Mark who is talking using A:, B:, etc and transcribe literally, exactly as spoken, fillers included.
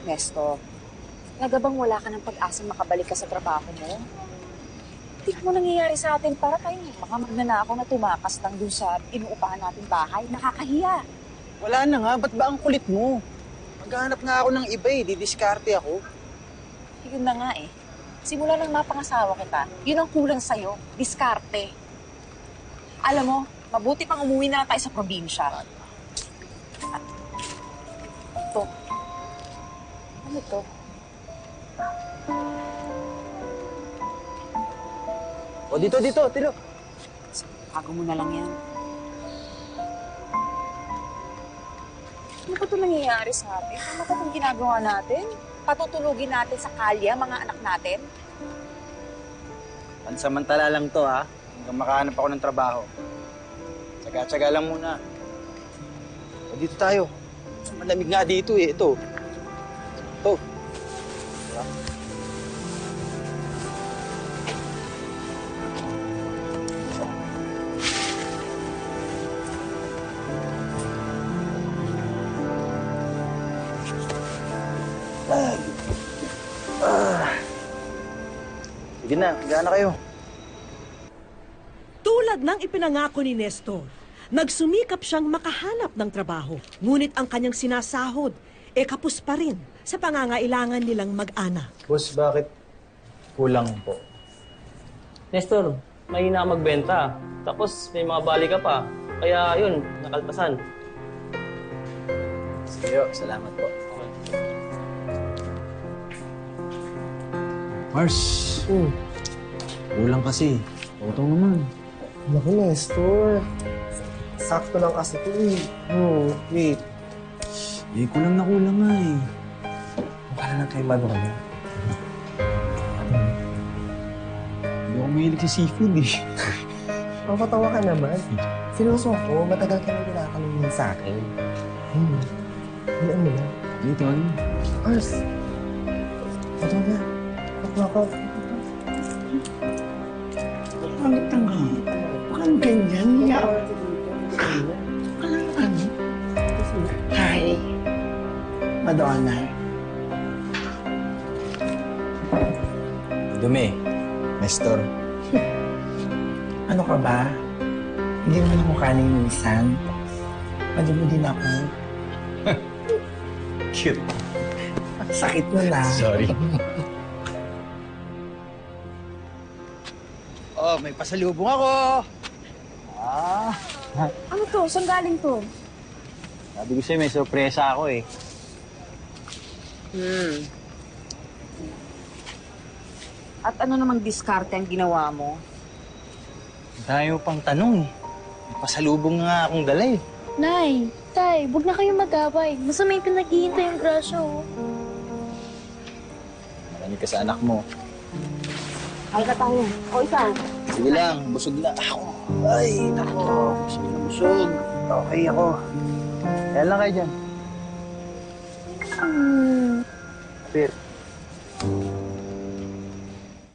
A: Nestor, talaga bang wala ka ng pag-asa makabalik ka sa trabaho mo? Hindi mo nangyayari sa atin para tayong mga magnanakaw na tumakas lang dun sa inuupahan nating bahay. Nakakahiya.
B: Wala na nga, ba't ba ang kulit mo? Maghahanap nga ako ng iba eh, didiskarte ako.
A: Yun na nga eh. Simula nang mapangasawa kita, yun ang kulang sa'yo. Diskarte. Alam mo, mabuti pang umuwi na lang tayo sa probinsya. At ito. Ano ito?
B: O dito, dito, tilo.
A: Tago mo na lang yan. Ano ba ito nangyayari sa atin? Ano ba itong ginagawa natin? Patutulugin natin sa kalya, mga anak natin?
B: Pansamantala lang to ha, hanggang makahanap ako ng trabaho. Tsaga-tsaga lang muna. O dito tayo. Malamig nga dito eh, ito. Ito. Diba? Ay. Ah. Sige na, gana kayo.
C: Tulad ng ipinangako ni Nestor, nagsumikap siyang makahanap ng trabaho. Ngunit ang kanyang sinasahod, e kapos pa rin sa pangangailangan nilang mag-anak.
B: Boss, bakit kulang po?
D: Nestor, mahina ka magbenta. Tapos may mga bali ka pa. Kaya yun, nakaltasan.
B: Sige, salamat po.
D: Okay.
B: Mars,
E: Hmm.
B: kulang kasi. Utong naman.
E: Naku, Nestor. Sakto lang kasi ito eh. Hmm, wait.
B: Eh, kulang na kulang nga eh.
E: Mukha na lang kay Mano ka na.
B: Hindi ako mahilig sa seafood eh.
E: Mapatawa ka naman. Seryoso ko, matagal ka nang tinatanong sa akin. Hmm. Hindi mo na.
B: Dito, ano?
E: Ars. Ito na. Ako ako.
F: Pangit ang nga. Bakang ganyan niya. Kailangan. Hi. Madonna.
B: Dumi. Nestor.
F: Ano ka ba? Hindi mo na mukha ni minsan. Pwede mo din ako.
B: Cute.
F: Sakit mo na.
B: Sorry. Oh, may pasalubong ako. Ah.
A: Ano to? Saan galing to?
B: Sabi ko sa'yo, may sorpresa ako eh.
A: Hmm. At ano namang diskarte ang ginawa mo?
B: Dahil mo pang tanong eh. May pasalubong nga akong dala eh.
G: Nay, Tay, huwag na kayong mag-away. Masama yung pinaghihintay yung grasya, oh.
B: Marami ka sa anak mo.
A: Ay ka tayo. O ikaw?
B: Sige lang, busog na ako. Ay, nako. Busog na busog. Okay ako. Kaya lang kayo dyan.
G: Hmm.
B: Pero,